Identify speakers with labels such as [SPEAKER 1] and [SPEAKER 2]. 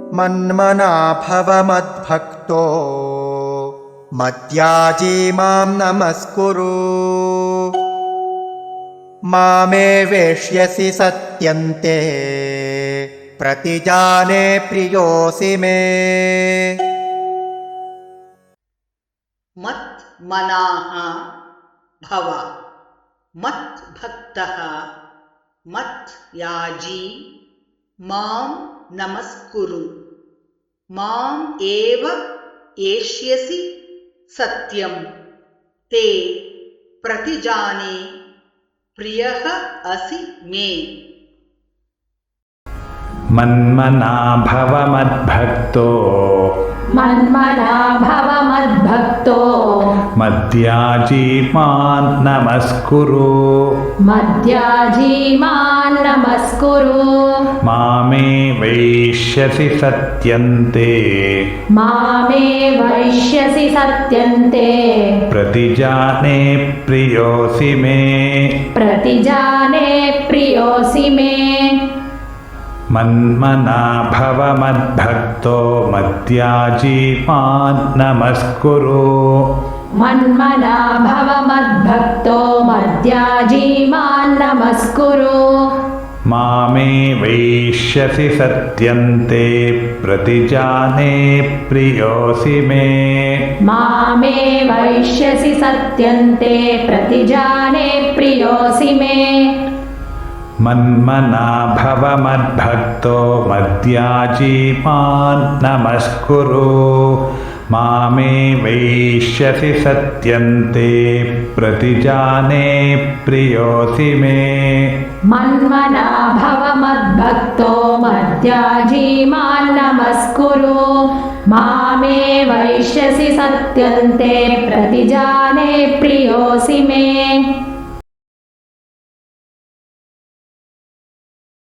[SPEAKER 1] मन्मना भव मद्भक्तो मद्याजी मां नमस्कुरु मामे वेश्यसि सत्यन्ते प्रतिजाने प्रियोऽसि मे।
[SPEAKER 2] मन्मनाः भव मद्भक्तः मद्याजी मां नमस्कुरु माम् एव एष्यसि सत्यं ते प्रतिजाने प्रियः असि मे।
[SPEAKER 3] मन्मना भव मद्भक्तो मद्याजी मां नमस्कुरु मामे वैष्यसि सत्यन्ते प्रतिजाने प्रियोऽसि मे। मन्मना भव मद्भक्तो मद्याजी मां नमस्कुरु मामे वैष्यसि सत्यन्ते प्रतिजाने प्रियोऽसि मे। मन्मना भव मद्भक्तो मद्याजी मां नमस्कुरु मामे वैष्यसि सत्यन्ते प्रतिजाने प्रियोऽसि मे।
[SPEAKER 4] मन्मना भव मद्भक्तो मद्याजी मां नमस्कुरु मामे वैष्यसि सत्यन्ते प्रतिजाने प्रियोऽसि मे।